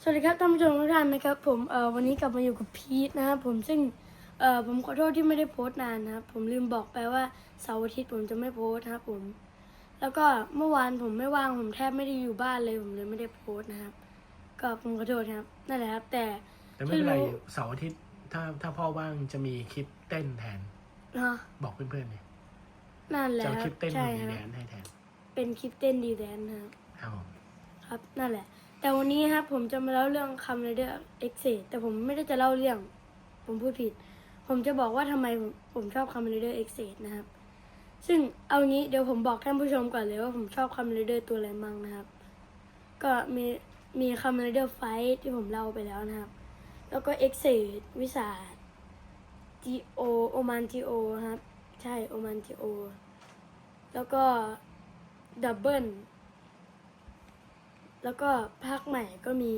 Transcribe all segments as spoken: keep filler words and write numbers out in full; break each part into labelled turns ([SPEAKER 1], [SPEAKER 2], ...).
[SPEAKER 1] วัสดีครับท่านผู้ชมทุกท่านนะครับผมเอ่อวันนี้กลับมาอยู่กับพีทนะครับผมซึ่งเอ่อผมขอโทษที่ไม่ได้โพสต์นานนะครับผมลืมบอกไปว่าเสาร์อาทิตย์ผมจะไม่โพสต์นะครับผมแล้วก็เมื่อวานผมไม่ว่างผมแทบไม่ได้อยู่บ้านเลยผมเลยไม่ได้โพสต์นะครับก็ผมขอโทษครับนั่นแหละครับแต่
[SPEAKER 2] แต่ไม่เป็นไรเสาร์อาทิตย์ถ้าถ้าพ่อว่างจะมีคลิปเต้นแทน
[SPEAKER 1] เนาะ
[SPEAKER 2] บอกเพื่อนๆเลย
[SPEAKER 1] นั่นแหละ
[SPEAKER 2] จะเอา
[SPEAKER 1] ค
[SPEAKER 2] ครับ ลิปเต้น
[SPEAKER 1] ใช่
[SPEAKER 2] ของ
[SPEAKER 1] ค
[SPEAKER 2] ดี
[SPEAKER 1] รับ
[SPEAKER 2] แดนให้แทน
[SPEAKER 1] เป็นคลิปเต้นดีแดนนะครับ
[SPEAKER 2] ครับผม
[SPEAKER 1] ครับนั่นแหละแต่วันนี้ครับผมจะมาเล่าเรื่องคำเรเดอร์เอ็กเซแต่ผมไม่ได้จะเล่าเรื่องผมพูดผิดผมจะบอกว่าทำไมผมผมชอบคำเรเดอร์เอ็กเซนะครับซึ่งเอางี้เดี๋ยวผมบอกท่านผู้ชมก่อนเลยว่าผมชอบคำเรเดอร์ตัวอะไรมั่งนะครับก็มีมีคำเรเดอร์ไฟท์ที่ผมเล่าไปแล้วนะครับแล้วก็เอ็กเซวิสาจีโอโอมานจีโอครับใช่โอมานจีโอแล้วก็ดับเบิลแล้วก็ภาคใหม่ก็มี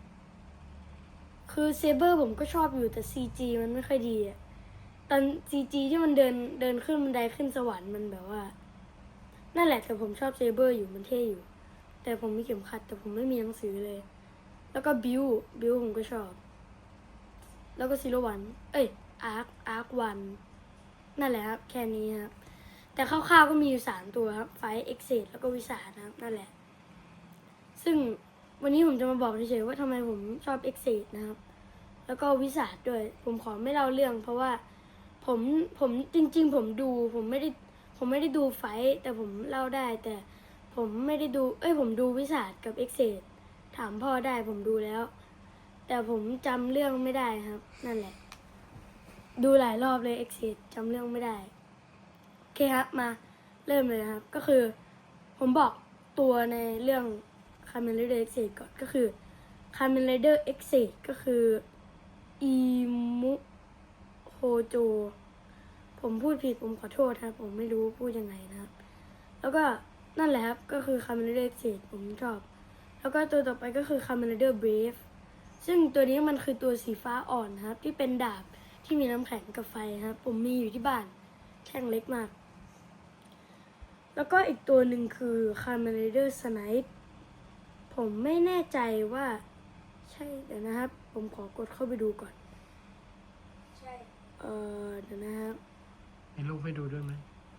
[SPEAKER 1] คือเซเบอร์ผมก็ชอบอยู่แต่ ซี จี มันไม่ค่อยดีอะตอน ซี จี ที่มันเดินเดินขึ้นบันไดขึ้นสวรรค์มันแบบว่า นั่นแหละแต่ผมชอบเซเบอร์อยู่มันเท่อยู่ แต่ผมมีเข็มขัดแต่ผมไม่มีหนังสือเลย แล้วก็บิวบิวผมก็ชอบ แล้วก็ซีโร่วัน เอ้ยอาร์คอาร์ควันนั่นแหละครับแค่นี้ครับ แต่คร่าวๆก็มีอยู่สามตัวครับไฟเอ็กเซดแล้วก็วิสานะครับ นั่นแหละ ซึ่งวันนี้ผมจะมาบอกเฉยๆว่าทำไมผมชอบเอ็กเซดนะครับ แล้วก็วิสาด้วย ผมขอไม่เล่าเรื่อง เพราะว่าผมผมจริง ๆ ผมดู ผมไม่ได้ผมไม่ได้ดูไฟท์แต่ผมเล่าได้ แต่ผมไม่ได้ดู เอ้ยผมดูวิสากับเอ็กเซดถามพ่อได้ผมดูแล้ว แต่ผมจำเรื่องไม่ได้ครับ นั่นแหละ ดูหลายรอบเลยเอ็กเซดจำเรื่องไม่ได้โอเคครับมาเริ่มเลยนะครับ ก็คือ ผมบอกตัวในเรื่อง Kamen Rider X-Seid ก่อนก็คือ Kamen Rider X-Seid ก็คืออีมุโฮโจผมพูดผิดผมขอโทษครับผมไม่รู้พูดยังไงนะครับ แล้วก็นั่นแหละครับก็คือ Kamen Rider X-Seid ผมชอบ แล้วก็ตัวต่อไปก็คือ Kamen Rider Brave ซึ่งตัวนี้มันคือตัวสีฟ้าอ่อนนะครับ ที่เป็นดาบที่มีน้ำแข็งกับไฟครับ ผมมีอยู่ที่บ้านแท่งเล็กมาก แล้วก็อีกตัวหนึ่งคือ Kamen Rider Snipe ผมไม่แน่ใจว่าใช่เดี๋ยวนะครับ ผมขอกดเข้าไปดูก่อน ใช่ เออเดี๋ยวนะครับ
[SPEAKER 2] มีรูปให้ดูด้วยไหม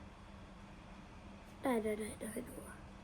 [SPEAKER 1] ได้ได้ได้เดี๋ยวให้ดู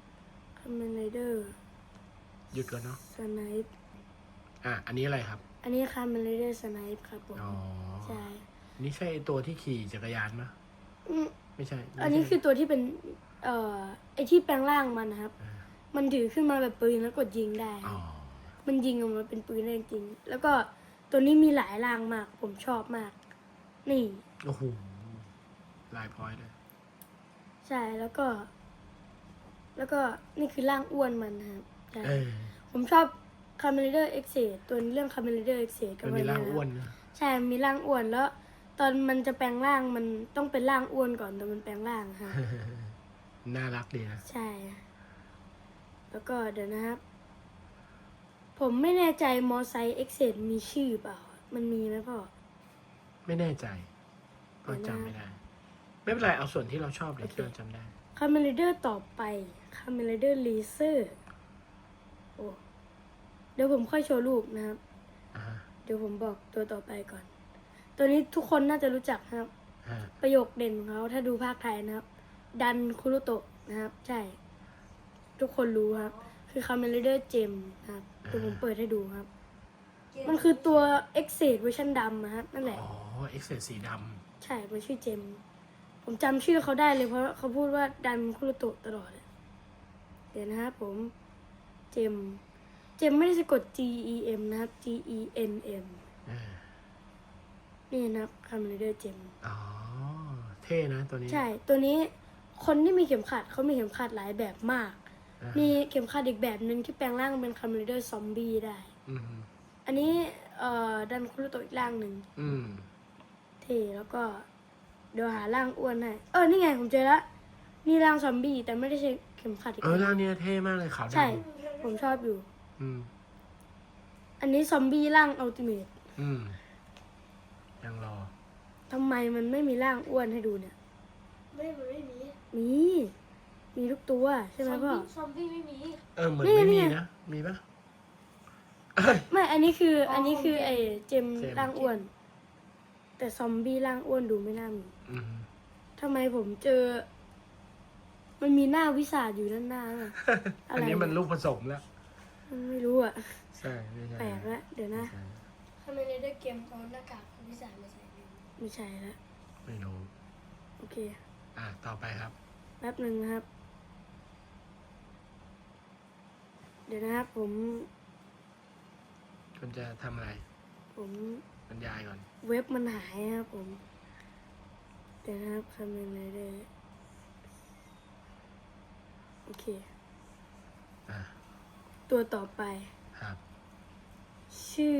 [SPEAKER 1] Kamen Rider
[SPEAKER 2] หยุดก่อนเนาะ
[SPEAKER 1] Snipe
[SPEAKER 2] อ่ะอันนี้อะไรครับ
[SPEAKER 1] อันนี้ Kamen Rider Snipe ครับผม
[SPEAKER 2] อ๋อ
[SPEAKER 1] ใช่
[SPEAKER 2] นี่ใช่ไอ้ตัวที่ขี่จักรยานไหม
[SPEAKER 1] อืม
[SPEAKER 2] ไม่ใช่ไม่ใช่
[SPEAKER 1] อันนี้คือตัวที่เป็น เอ่อ ไอที่แปลงร่างมันนะครับ
[SPEAKER 2] อ่า
[SPEAKER 1] มันถือขึ้นมาแบบปืนแล้วกดยิงได้
[SPEAKER 2] อ๋อ
[SPEAKER 1] มันยิงออกมาเป็นปืนได้จริง แล้วก็ตัวนี้มีหลายร่างมาก ผมชอบมาก นี่
[SPEAKER 2] โอ้โหลายพอยต์เลย
[SPEAKER 1] ใช่ แล้วก็ แล้วก็นี่คือร่างอ้วนมันนะครับใช่
[SPEAKER 2] เออ
[SPEAKER 1] ผมชอบ Kamen Rider X-Seid ตัวเรื่อง Kamen Rider X-Seid ก็
[SPEAKER 2] มันมีร่างอ้วนนะ
[SPEAKER 1] ใช่ มีร่างอ้วน แล้ว ตอนมันจะแปลงร่างมันต้องเป็นร่างอ้วนก่อนตอนมันแปลงร่างครับ
[SPEAKER 2] น่ารักดีนะ
[SPEAKER 1] ใช่ แล้วก็เดี๋ยวนะครับ ผมไม่แน่ใจมอไซค์ X-Seid มีชื่อเปล่า มันมีไหมพ่อ
[SPEAKER 2] ไม่แน่ใจก็จำไม่ได้ ไม่เป็นไรเอาส่วนที่เราชอบเลยที่เราจำได้
[SPEAKER 1] Kamen Rider ต่อไป Kamen Rider Laser โอ้เดี๋ยวผมค่อยโชว์รูปนะครับ
[SPEAKER 2] อ่าฮะ
[SPEAKER 1] เดี๋ยวผมบอกตัวต่อไปก่อน ตัวนี้ทุกคนน่าจะรู้จักนะครับ
[SPEAKER 2] อ่า
[SPEAKER 1] ประโยคเด่นของเขาถ้าดูภาคไทยนะครับ ดันคุรุโตะนะครับ ใช่ ทุกคนรู้ครับ คือ Kamen Rider Gem นะครับเดี๋ยวผมเปิดให้ดูครับ มันคือตัว X-Seid เวอร์ชันดำนะครับนั่นแหละ
[SPEAKER 2] อ๋อเอ็กเซสสีด
[SPEAKER 1] ใช่มันชื่อเจม ผมจำชื่อเขาได้เลยเพราะเขาพูดว่าดันคุรุโตะตลอดเลยเดี๋ยวนะครับผม เจม เจมไม่ได้สะกด G E M นะครับ G E N M
[SPEAKER 2] ำเออ
[SPEAKER 1] นี่นะครับ Kamen Rider Gem
[SPEAKER 2] อ๋อ เท่นะตัวนี้
[SPEAKER 1] ใช่ ตัวนี้คนที่มีเข็มขัดเขามีเข็มขัดหลายแบบมาก
[SPEAKER 2] อ่า
[SPEAKER 1] มีเข็มขัดอีกแบบหนึ่งที่แปลงร่างเป็น Kamen Rider Zombie ได้
[SPEAKER 2] อืม
[SPEAKER 1] อันนี้เอ่อดันคุรุโตะอีกร่างหนึ่ง
[SPEAKER 2] อืม
[SPEAKER 1] เท่แล้วก็เดี๋ยวหาร่างอ้วนให้เออ นี่ไงผมเจอละนี่ร่างซอมบี้แต่ไม่ได้ใช้เข็มขัดอีก
[SPEAKER 2] เออร่างเนี้ยเท่มากเลยขาวดำ
[SPEAKER 1] ใช่ ผมชอบอยู่
[SPEAKER 2] อืม
[SPEAKER 1] อันนี้ซอมบี้ร่างอัลติเมท
[SPEAKER 2] อืม ยังรอ
[SPEAKER 1] ทำไมมันไม่มีร่างอ้วนให้ดูเนี่ย
[SPEAKER 3] ไม่มันไม่มี
[SPEAKER 1] มี มีทุกตัวใช่ไหมพ่อ
[SPEAKER 3] ซอมบี้ไม่มี
[SPEAKER 2] เออ เหมือน
[SPEAKER 1] นี่
[SPEAKER 2] ไม่มี
[SPEAKER 1] นี่
[SPEAKER 2] นะ มีปะเอ้ย
[SPEAKER 1] ไม่ อันนี้คือ
[SPEAKER 3] อ๋ออั
[SPEAKER 1] อันนี้คือ
[SPEAKER 3] ของเจม
[SPEAKER 1] ไอ้เจม
[SPEAKER 2] เจม
[SPEAKER 1] ร่างอ้วน แต่ซอมบี้ร่างอ้วนดูไม่น่ามี
[SPEAKER 2] อืม
[SPEAKER 1] ทำไมผมเจอ มันมีหน้าวิสาจอยู่ด้านหน้าอะ อะไร
[SPEAKER 2] อันนี้มันลูกผสมแล้ว
[SPEAKER 1] มันไม่รู้อ่ะ
[SPEAKER 2] ใช่ไม่ใช่
[SPEAKER 1] แปลกละเดี๋ยวนะ
[SPEAKER 2] ใช่
[SPEAKER 3] ทำไมในเดอร์เกมเอาหน้ากากของพิศาจมาใส่เนี่ย
[SPEAKER 1] ไม่ใช่ละ
[SPEAKER 2] ไม่รู้
[SPEAKER 1] โอเค
[SPEAKER 2] อ่ะต่อไปครับ
[SPEAKER 1] แป๊บหนึ่งนะครับ เดี๋ยวนะครับ ผม
[SPEAKER 2] คุณจะทำอะไร
[SPEAKER 1] ผม
[SPEAKER 2] บรรยายก่อน
[SPEAKER 1] เว็บมันหายนะครับผม เดี๋ยวนะครับคำนึงเลยเด้อโอเค
[SPEAKER 2] อ่ะ
[SPEAKER 1] ตัวต่อไป
[SPEAKER 2] ครับ
[SPEAKER 1] ชื่อ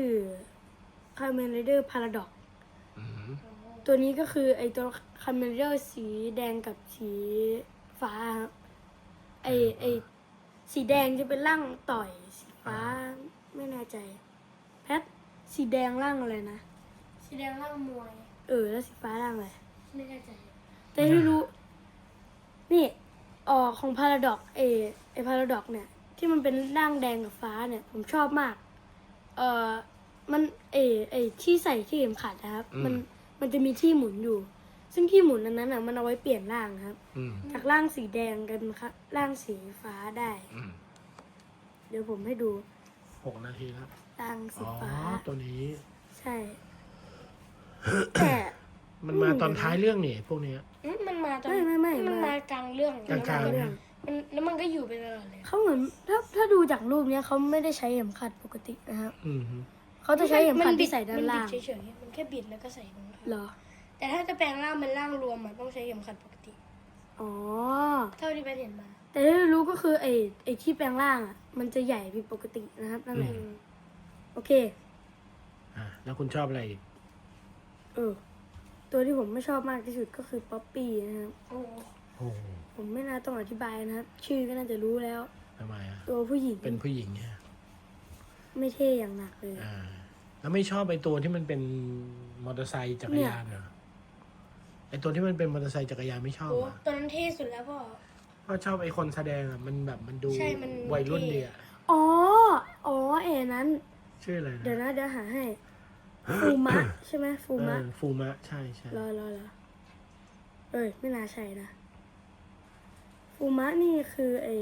[SPEAKER 1] Kamen Rider Paradox
[SPEAKER 2] อืม
[SPEAKER 1] ตัวนี้ก็คือไอตัว Kamen Rider สีแดงกับสีฟ้าครับไอไอสีแดงจะเป็นร่างต่อย สีฟ้าไม่แน่ใจ แพท สีแดงร่างอะไรนะ
[SPEAKER 3] สีแดงร่างมวย
[SPEAKER 1] เออ แล้วสีฟ้าร่างอะไร
[SPEAKER 3] ไม่แน่ใจ
[SPEAKER 1] แต่ที่รู้ นี่ออกของ Paradox เอไอ Paradox เนี่ย ที่มันเป็นร่างแดงกับฟ้าเนี่ย ผมชอบมาก เออมันเอไอที่ใส่ที่เข็มขัดนะครับ
[SPEAKER 2] อืม
[SPEAKER 1] มันมันจะมีที่หมุนอยู่ ซึ่งที่หมุนนั้นน่ะมันเอาไว้เปลี่ยนร่างครับ
[SPEAKER 2] อืม
[SPEAKER 1] จากร่างสีแดงกันครับร่างสีฟ้าได้
[SPEAKER 2] อืม
[SPEAKER 1] เดี๋ยวผมให้ดู
[SPEAKER 2] หกนาทีแล้ว
[SPEAKER 1] ร่างสี
[SPEAKER 2] อ๋อ
[SPEAKER 1] ฟ้า
[SPEAKER 2] ตัวนี้
[SPEAKER 1] ใช่ แต่
[SPEAKER 2] มันมาตอนท้ายเรื่องนี่พวกเนี้ย
[SPEAKER 3] อืมมันมาตอน
[SPEAKER 1] ไม่ไม่ไม่
[SPEAKER 3] มัน
[SPEAKER 1] มา
[SPEAKER 3] มากลางเรื่อง
[SPEAKER 2] กลางๆ
[SPEAKER 3] แล้วมัน
[SPEAKER 2] เรื่อง
[SPEAKER 3] มันแล้วมันก็อยู่ไปตลอดเลย
[SPEAKER 1] เขาเหมือนถ้าถ้าดูจากรูปเนี้ยเขาไม่ได้ใช้เข็มขัดปกตินะครับ
[SPEAKER 2] อืม
[SPEAKER 1] เขาจะใช้เข็มขัด
[SPEAKER 3] นบิ
[SPEAKER 1] ที่ใส่ด้านล่าง
[SPEAKER 3] มันบิดเฉยๆมันแค่บิดแล้วก็ใส่ตรงนั้น
[SPEAKER 1] เหรอ
[SPEAKER 3] แต่ถ้าจะแปลงร่างเป็นร่างรวมอะต้องใช้เข็มขัดปกติ
[SPEAKER 1] อ๋อ
[SPEAKER 3] เท่าที่ไปเห็นมา
[SPEAKER 1] แต่ที่รู้ก็คือไอ้ไอ้ที่แปลงร่างอ่ะ มันจะใหญ่ผิดปกตินะครับนั่นแหละ
[SPEAKER 2] อืม
[SPEAKER 1] โอเค
[SPEAKER 2] อ่ะแล้วคุณชอบอะไรอีก
[SPEAKER 1] เออ ตัวที่ผมไม่ชอบมากที่สุดก็คือป๊อปปี้นะครับ
[SPEAKER 3] โอ้โห
[SPEAKER 2] โอ้โห
[SPEAKER 1] ผมไม่น่าต้องอธิบายนะครับ ชื่อก็น่าจะรู้แล้ว
[SPEAKER 2] ทำไมอ่ะ
[SPEAKER 1] ตัวผู้หญิง
[SPEAKER 2] เป็นผู้หญิงเนี่ย
[SPEAKER 1] ไม่เท่อย่างหนักเลย
[SPEAKER 2] อ่า แล้วไม่ชอบไอ้ตัวที่มันเป็นมอเตอร์ไซค์จักรยานเหรอไอ้ตัวที่มันเป็นมอเตอร์ไซค์จักรยานไม่ชอบ
[SPEAKER 3] โอ้
[SPEAKER 2] อ่ะ
[SPEAKER 3] ตอนนั้นเท่สุดแล้วพ่อ
[SPEAKER 2] เพราะชอบไอ้คนแสดงอ่ะมันแบบมันดู
[SPEAKER 3] ใช่มัน
[SPEAKER 2] วัยรุ่น
[SPEAKER 3] เท่
[SPEAKER 2] ดีอ่ะ
[SPEAKER 1] อ๋อ อ๋อเอ๋นั้น
[SPEAKER 2] ชื่ออะไร
[SPEAKER 1] เดี๋ยว
[SPEAKER 2] นะ
[SPEAKER 1] นะเดี๋ยวหาให้ ฟูมะ ใช่ไหมฟูมะ
[SPEAKER 2] เออฟูมะใช่ใช่
[SPEAKER 1] รอรอรอเอ้ย ไม่น่าใช่นะ ฟูมะนี่คือไอ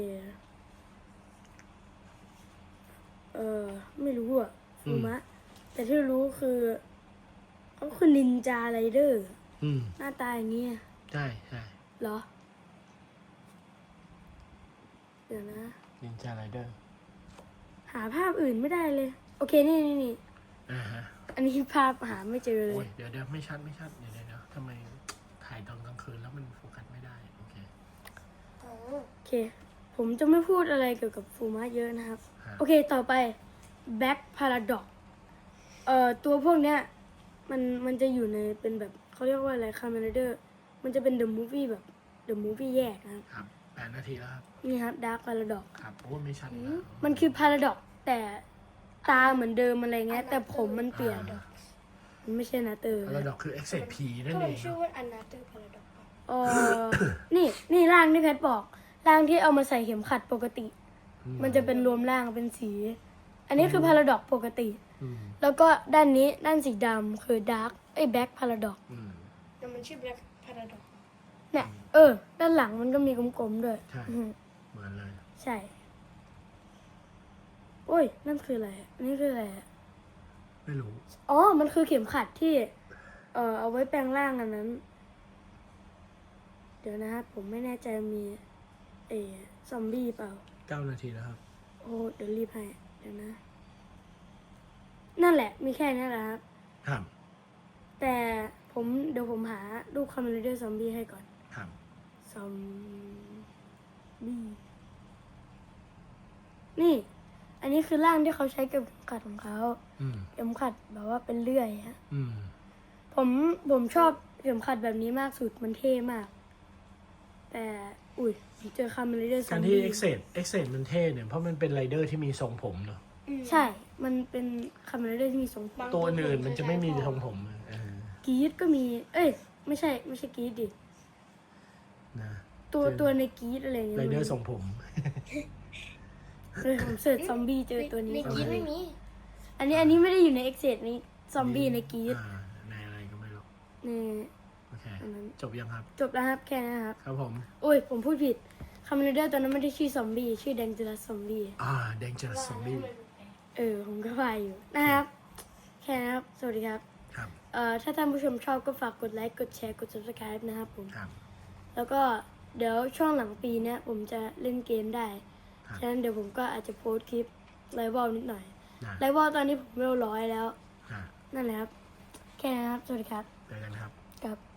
[SPEAKER 1] เออไม่รู้อะฟูมะ แต่ที่รู้คือเขาคือนินจาไรเดอร์
[SPEAKER 2] อืม
[SPEAKER 1] หน้าตาอย่างเงี้ย
[SPEAKER 2] ใช่ใช่
[SPEAKER 1] เหรอ เดี๋ยวนะ
[SPEAKER 2] นินจาไรเดอร์
[SPEAKER 1] หาภาพอื่นไม่ได้เลย โอเค นี่นี่นี่
[SPEAKER 2] อ่าฮะ
[SPEAKER 1] อันนี้ภาพหาไม่เจอเล
[SPEAKER 2] โอ้ย
[SPEAKER 1] ย
[SPEAKER 2] เดี๋ยวเดี๋ยวไม่ชัดไม่ชัดเดี๋ยวเดี๋ยวเดี๋ยวทำไมถ่ายตอนกลางคืนแล้วมันโฟกัสไม่ได้โอเค
[SPEAKER 3] อ๋อ
[SPEAKER 1] โอเค ผมจะไม่พูดอะไรเกี่ยวกับฟูมะเยอะนะครับ
[SPEAKER 2] ฮะ
[SPEAKER 1] โอเค ต่อไป Back Paradox เอ่อ ตัวพวกเนี้ย มัน มันจะอยู่ใน เป็นแบบ เขาเรียกว่าอะไร Kamen Rider มันจะเป็น The Movie แบบ The Movie แยกนะครับ
[SPEAKER 2] ครับแปดนาทีแล้วครับ
[SPEAKER 1] นี่ครับ Dark Paradox
[SPEAKER 2] ครับโอ้ยไม่ชัดอีกแล้ว
[SPEAKER 1] มันคือ Paradox แต่ตาเหมือนเดิมอะไรเงี้ย แต่ผมมันเปลี่ยน
[SPEAKER 2] อ่า
[SPEAKER 1] มันไม่ใช่นาเตอร์
[SPEAKER 2] พาราดอกคือ เอ็กเซด พี นั่น
[SPEAKER 3] ก็
[SPEAKER 2] เอ
[SPEAKER 3] มัน
[SPEAKER 2] ง
[SPEAKER 3] ชื่อว่า Another Paradox
[SPEAKER 1] เออ นี่ นี่ร่างที่แพทบอก ร่างที่เอามาใส่เข็มขัดปกติ มันจะเป็นรวมร่างเป็นสี อันนี้คือ Paradox ปกติ
[SPEAKER 2] อืม
[SPEAKER 1] แล้วก็ด้านนี้ด้านสีดำคือ Dark ไอ้ Black Paradox
[SPEAKER 2] อืม
[SPEAKER 3] แต่มันชื่อ Black Paradox
[SPEAKER 1] เนี่ย เออ ด้านหลังมันก็มีกลมๆด้วย
[SPEAKER 2] ใช่
[SPEAKER 1] อืม
[SPEAKER 2] เหมือนเลย
[SPEAKER 1] ใช่ โอ้ย นั่นคืออะไรอันนี้คืออะไรอะ
[SPEAKER 2] ไม่รู้
[SPEAKER 1] อ๋อ มันคือเข็มขัดที่ เอ่อ เอาไว้แปลงร่างอันนั้น เดี๋ยวนะครับ ผมไม่แน่ใจมีเออซอมบี้เปล่า
[SPEAKER 2] เก้านาทีแล้วครับ
[SPEAKER 1] โอ้เดี๋ยวรีบให้ เดี๋ยวนะ นั่นแหละ มีแค่นี้แหละครับ
[SPEAKER 2] ครับ
[SPEAKER 1] แต่ผมเดี๋ยวผมหารูปคอมเมดี้ซอมบี้ให้ก่อน
[SPEAKER 2] ครับ
[SPEAKER 1] ซอมบี้ นี่ อันนี้คือร่างที่เขาใช้กับเข็มขัดของเขา
[SPEAKER 2] อืม
[SPEAKER 1] เข็มขัดแบบว่าเป็นเลื่อยฮะ
[SPEAKER 2] อืม
[SPEAKER 1] ผมผมชอบเข็มขัดแบบนี้มากสุด มันเท่มาก แต่ อุ้ยผมเจอคอมเมดี้ซอ
[SPEAKER 2] การ
[SPEAKER 1] ม
[SPEAKER 2] ที่
[SPEAKER 1] บี้
[SPEAKER 2] เอ็กเซดเอ็กเซดมันเท่เนี่ย เพราะมันเป็นไรเดอร์ที่มีทรงผมเนาะ
[SPEAKER 3] อืม
[SPEAKER 1] ใช่ มันเป็นคอมเมดี้ที่มีทรงผม
[SPEAKER 3] บาง
[SPEAKER 2] ตัวอื่นมันจะไม่มีทรงผมอะเออก
[SPEAKER 1] รีดก็มี เอ้ย ไม่ใช่ ไม่ใช่กรีดดิ
[SPEAKER 2] นะ
[SPEAKER 1] ตัวตัวในกรีดอะไรเงี้ย
[SPEAKER 2] ไรเดอร์ทรงผม
[SPEAKER 1] เลยผมเสิร์ชซอมบี้เจอตัวนี้
[SPEAKER 3] ในกรีดไม่มี
[SPEAKER 1] อันนี้อันนี้ไม่ได้อยู่ในเอ็กเซดนี้ซอมบี้ในกรีด
[SPEAKER 2] อ่าในอะไรก็ไม่รู้
[SPEAKER 1] นี่
[SPEAKER 2] โอเค
[SPEAKER 1] อันนั้น
[SPEAKER 2] จบยังครับ
[SPEAKER 1] จบแล้วครับแค่นั้นครับ
[SPEAKER 2] ครับผม
[SPEAKER 1] โอ้ยผมพูดผิดคาเมนเดอร์ตอนนั้นไม่ได้ชื่อซอมบี้ชื่อแดงจิรัสซอมบี้
[SPEAKER 2] อ่า Dangerous Zombie
[SPEAKER 1] เออผมก็พายอยู่นะครับ แค่นั้นครับ สวัสดีครับ
[SPEAKER 2] ครับ
[SPEAKER 1] เอ่อถ้าท่านผู้ชมชอบก็ฝากกดไลค์กดแชร์กด subscribe นะครับผม
[SPEAKER 2] ครับ
[SPEAKER 1] แล้วก็เดี๋ยวช่วงหลังปีเนี้ยผมจะเล่นเกมได้
[SPEAKER 2] ครับ
[SPEAKER 1] ฉะนั้นเดี๋ยวผมก็อาจจะโพสต์คลิปไลฟ์บอลนิดหน่อย
[SPEAKER 2] นะ
[SPEAKER 1] ไลฟ์บอลตอนนี้ผมเร็วร้อยแล้ว
[SPEAKER 2] อ่า
[SPEAKER 1] นั่นแหละครับ แค่นั้นครับ สวัสดีครับ
[SPEAKER 2] เจอกันครับ
[SPEAKER 1] กับ